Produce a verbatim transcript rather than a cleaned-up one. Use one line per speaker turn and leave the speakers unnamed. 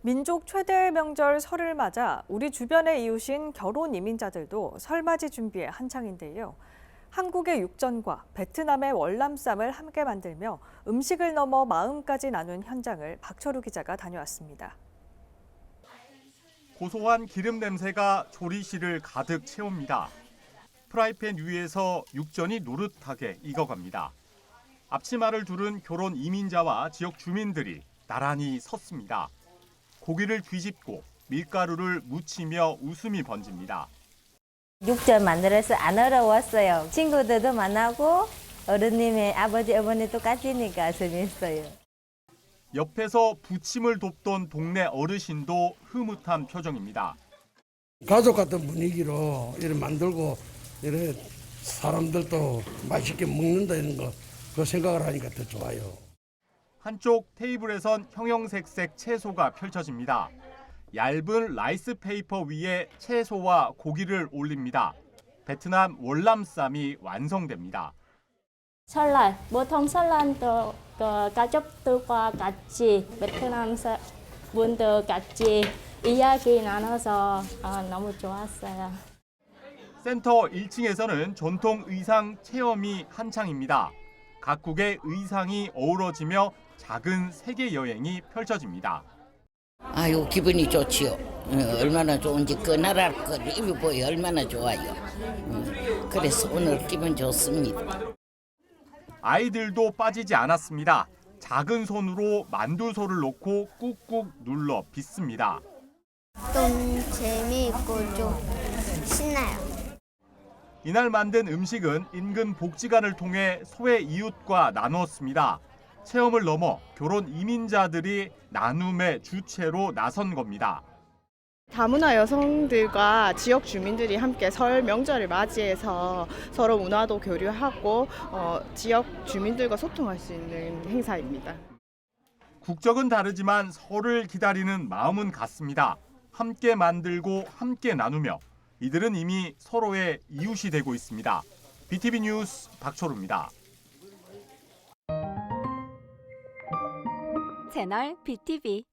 민족 최대 명절 설을 맞아 우리 주변의 이웃인 결혼 이민자들도 설맞이 준비에 한창인데요. 한국의 육전과 베트남의 월남쌈을 함께 만들며 음식을 넘어 마음까지 나눈 현장을 박철우 기자가 다녀왔습니다.
고소한 기름 냄새가 조리실을 가득 채웁니다. 프라이팬 위에서 육전이 노릇하게 익어갑니다. 앞치마를 두른 결혼 이민자와 지역 주민들이 나란히 섰습니다. 고기를 뒤집고 밀가루를 묻히며 웃음이 번집니다.
육전 만들어서 안 어려웠어요. 친구들도 만나고 어른님의 아버지, 어머니 똑같으니까 재밌어요.
옆에서 부침을 돕던 동네 어르신도 흐뭇한 표정입니다.
가족 같은 분위기로 이렇게 만들고 이렇게 사람들도 맛있게 먹는다 이런 거 그 생각을 하니까 더 좋아요.
한쪽 테이블에선 형형색색 채소가 펼쳐집니다. 얇은 라이스 페이퍼 위에 채소와 고기를 올립니다. 베트남 월남쌈이 완성됩니다.
설날, 보통 설날도 그 가족들과 같이 베트남 분들 같이 이야기 나눠서 어, 너무 좋았어요.
센터 일 층에서는 전통 의상 체험이 한창입니다. 각국의 의상이 어우러지며 작은 세계 여행이 펼쳐집니다.
아유, 기분이 좋지요. 어, 얼마나 좋은지 그 나라 거 입어보여 얼마나 좋아요. 음, 그래서 오늘 기분 좋습니다.
아이들도 빠지지 않았습니다. 작은 손으로 만두소를 놓고 꾹꾹 눌러 빚습니다.
좀 재미있고 좀 신나요.
이날 만든 음식은 인근 복지관을 통해 소외 이웃과 나누었습니다. 체험을 넘어 결혼 이민자들이 나눔의 주체로 나선 겁니다.
다문화 여성들과 지역 주민들이 함께 설 명절을 맞이해서 서로 문화도 교류하고 어, 지역 주민들과 소통할 수 있는 행사입니다.
국적은 다르지만 설을 기다리는 마음은 같습니다. 함께 만들고 함께 나누며 이들은 이미 서로의 이웃이 되고 있습니다. 비티비 뉴스 박철우입니다.
채널 비티비